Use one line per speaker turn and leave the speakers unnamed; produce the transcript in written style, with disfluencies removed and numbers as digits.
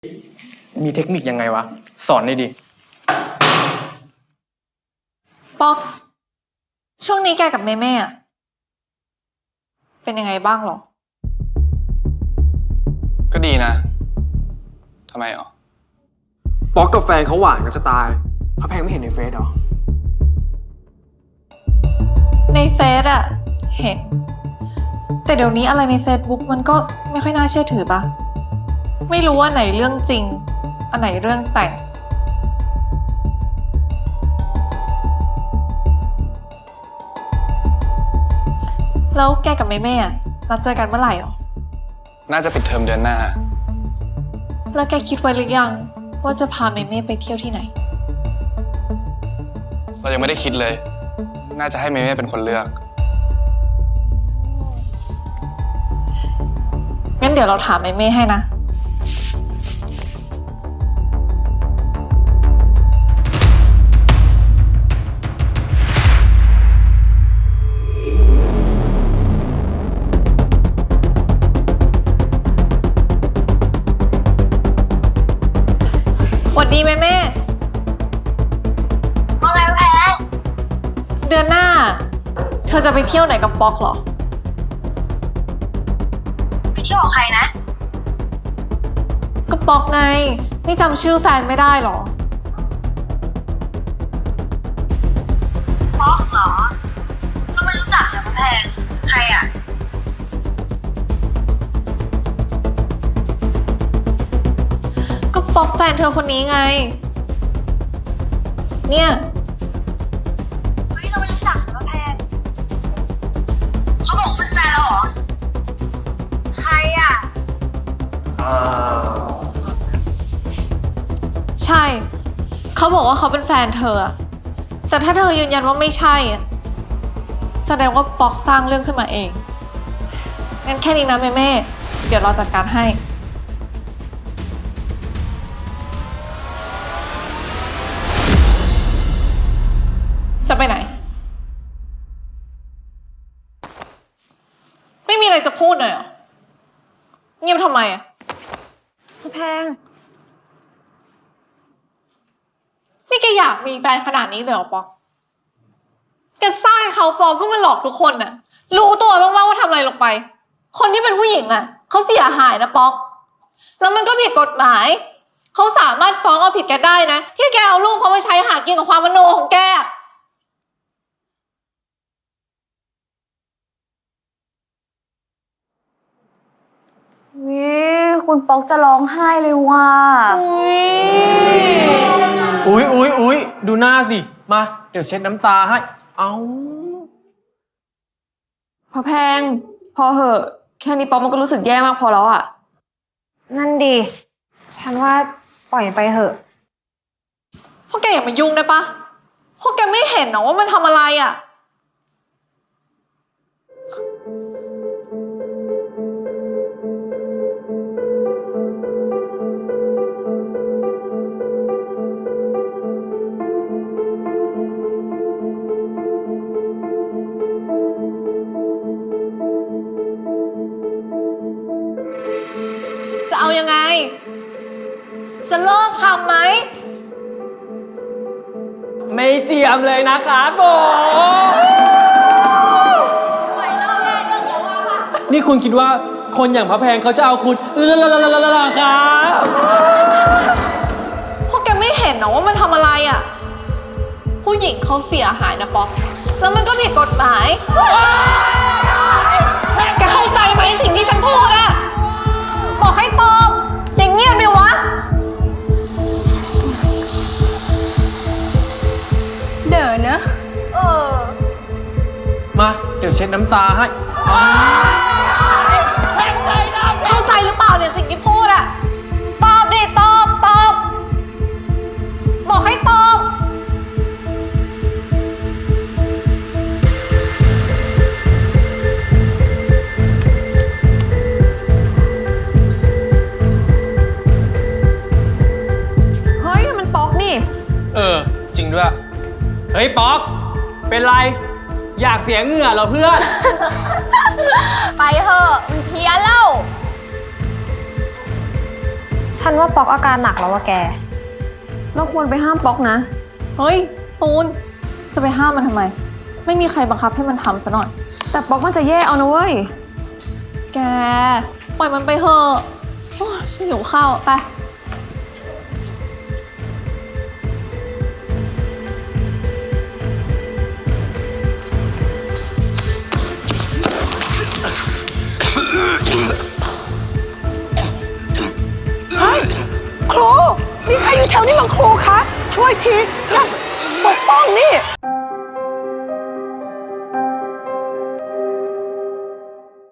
มีเทคนิคยังไงวะ สอนหน่อยดิ
ป๊อก ช่วงนี้แกกับเมเม่อะเป็นยังไงบ้างหรอ
ก็ดีนะ ทำไมอ๋อ
ป๊อกกับแฟนเขาหวานกันจะตายพระแพงไม่เห็นในเฟซหรอ
ในเฟซอะเห็น แต่เดี๋ยวนี้อะไรใน Facebook มันก็ไม่ค่อยน่าเชื่อถือปะไม่รู้ว่าไหนเรื่องจริง อันไหนเรื่องแต่ง แล้วแกกับเมเม่อะนัดเจอกันเมื่อไหร่หรอ
น่าจะปิดเทอมเดือนหน้า
แล้วแกคิดไว้หรือยัง ว่าจะพาเมเม่ไปเที่ยวที่ไหน
เรายังไม่ได้คิดเลย น่าจะให้เมเม่เป็นคนเลือก
งั้นเดี๋ยวเราถามเมเม่ให้นะ หวัดดีแม่
ว่าไงแพง
เดือนหน้า เธอจะไปเที่ยวไหนกับป๊อกเหรอ
ไปเที่ยวกับใครนะ
ก็ป๊อกไง นี่จำชื่อแฟนไม่ได้เหรอ
ป๊อกเหรอ ก็ไม่รู้จักนะแพง ใครอ่ะ
ก็ป๊อกแฟนเธอคนนี้ไง เนี่ย
เฮ้ยเราไม่รู้จักนะแพง เขาบอกว่าเป็นแฟนเราเหรอ ใครอ่ะ
ใช่ เขาบอกว่าเขาเป็นแฟนเธออะแต่ถ้าเธอยืนยันว่าไม่ใช่อะแสดงว่าป๊อกสร้างเรื่องขึ้นมาเอง งั้นแค่นี้นะแม่ เดี๋ยวเราจัดการให้ จะไปไหน ไม่มีอะไรจะพูดหน่อยเหรอ เงียบทำไมอะ
แพง
นี่แกอยากมีแฟนขนาดนี้เลยเหรอป๊อก แกสร้างให้เขาปลอมเพื่อมาหลอกทุกคนน่ะ รู้ตัวบ้างว่าทำอะไรลงไป คนที่เป็นผู้หญิงอ่ะเขาเสียหายนะป๊อก แล้วมันก็ผิดกฎหมาย เขาสามารถฟ้องเอาผิดแกได้นะ ที่แกเอารูปเขามาใช้หากินกับความมโนของแก
วิคุณป๊อกจะร้องไห้เลยว่ะ
อุ๊ย ดูหน้าสิ มา เดี๋ยวเช็ดน้ำตาให้ เอา
พอแพง พอเหอะ แค่นี้ป๊อกมันก็รู้สึกแย่มากพอแล้วอ่ะ
นั่นดี ฉันว่าปล่อยไปเถอะ
พวกแกอย่ามายุ่งได้ปะพวกแกไม่เห็นเหรอว่ามันทำอะไรอ่ะ จะเอายังไง จะเลิกทำไหม
ไม่เจียมเลยนะครับผม นี่คุณคิดว่าคนอย่างพระแพงเขาจะเอาคุณครับ
พวกแกไม่เห็นเหรอว่ามันทำอะไรอ่ะ ผู้หญิงเขาเสียหายนะป๊อก แล้วมันก็ผิดกฎหมาย แกเข้าใจไหมสิ่งที่ฉันพูดอะบอกให้ตอบอย่างเงียบเลยวะ
เดี๋ยวนะ
มา เดี๋ยวเช็ดน้ำตาให้
เข้าใจหรือเปล่าเนี่ยสิ่งที่พูดอะตอบดิตอบ บอกให้ตอบ
เฮ้ยมันป๊อกนี่
จริงด้วย เฮ้ย ป๊อก เป็นไร อยากเสียเหงื่อเหรอเพื่อน
ไปเถอะมันเพี้ยนแล้ว ฉฉันว่าป๊อกอาการหนักแล้วว่ะแก
เราควรไปห้ามป๊อกนะ เฮ้ย ตูน จะไปห้ามมันทำไม ไม่มีใครบังคับให้มันทำซะหน่อย
แต่ป๊อกมันจะแย่เอานะเว้ย
แก ปล่อยมันไปเถอะโอ้ยฉันหิวข้าวไป
ครู มีใครอยู่แถวนี้บ้างครูคะ ช่วยทีนะปกป้องนี่